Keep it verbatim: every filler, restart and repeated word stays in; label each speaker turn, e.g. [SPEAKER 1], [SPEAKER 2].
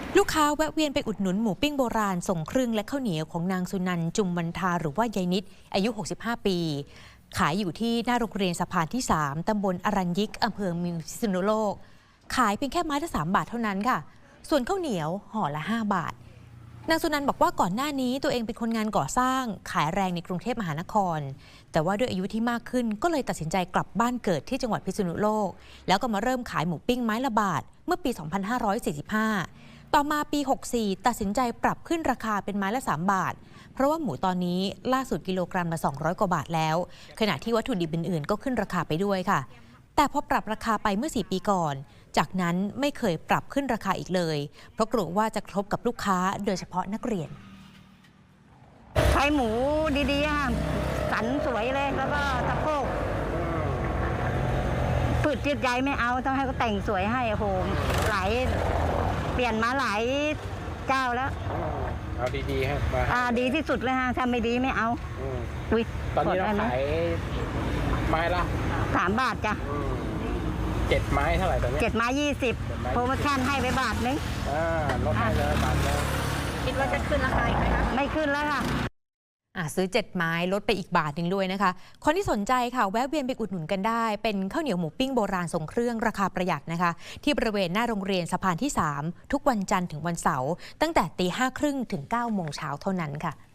[SPEAKER 1] ลูกค้าแวะเวียนไปอุดหนุนหมูปิ้งโบราณส่งเครื่องและข้าวเหนียวของนางสุนันท์จุมวันทาหรือว่ายายนิดอายุหกสิบห้าปีขายอยู่ที่หน้าโรงเรียนสะพานที่สามตำบลอรัญยิกอำเภอเมืองพิษณุโลกขายเพียงแค่ไม้ละสามบาทเท่านั้นค่ะส่วนข้าวเหนียวห่อละห้าบาทนางสุนันท์บอกว่าก่อนหน้านี้ตัวเองเป็นคนงานก่อสร้างขายแรงในกรุงเทพมหานครแต่ว่าด้วยอายุที่มากขึ้นก็เลยตัดสินใจกลับบ้านเกิดที่จังหวัดพิษณุโลกแล้วก็มาเริ่มขายหมูปิ้งไม้ละบาทเมื่อปี สองพันห้าร้อยสี่สิบห้า ต่อมาปี หกสิบสี่ ตัดสินใจปรับขึ้นราคาเป็นไม้ละสามบาทเพราะว่าหมูตอนนี้ล่าสุดกิโลกรัมละสองร้อยกว่าบาทแล้วขณะที่วัตถุดิบอื่นๆก็ขึ้นราคาไปด้วยค่ะแต่พอปรับราคาไปเมื่อสี่ปีก่อนจากนั้นไม่เคยปรับขึ้นราคาอีกเลยเพราะกลัวว่าจะกระทบกับลูกค้าโดยเฉพาะนักเรียน
[SPEAKER 2] ใช้หมูดีๆค่ะสันสวยเลยแล้วก็สะโพกฝืดจิตใจไม่เอาต้องให้เขาแต่งสวยให้โอ้โหหลายเปลี่ยนมาหลายเจ้าแล้ว
[SPEAKER 3] เอาดีๆให้มา
[SPEAKER 2] อ่าดีที่สุดเลยฮะถ้าไม่ดีไม่เอา
[SPEAKER 3] อุ้ยตอนนี้เราขายไม้ละ
[SPEAKER 2] สามบาทจ้ะ
[SPEAKER 3] เจ็ดไม้เท่าไหร่ตอนนี้
[SPEAKER 2] เจ็ดไม้ยี่สิบโปรโมชั่นให้ไปบาทนึง
[SPEAKER 3] อ่าลดให้เลยบาทนึง
[SPEAKER 2] คิดว่าจะขึ้นราคาอีกไหมคะไม่ขึ้นแล้วค่ะ
[SPEAKER 1] ซื้อเจ็ดไม้ลดไปอีกบาทหนึ่งด้วยนะคะคนที่สนใจค่ะแวะเวียนไปอุดหนุนกันได้เป็นข้าวเหนียวหมูปิ้งโบราณทรงเครื่องราคาประหยัดนะคะที่บริเวณหน้าโรงเรียนสะพานที่สามทุกวันจันทร์ถึงวันเสาร์ตั้งแต่ตีห้าครึ่งถึงเก้าโมงเช้าเท่านั้นค่ะ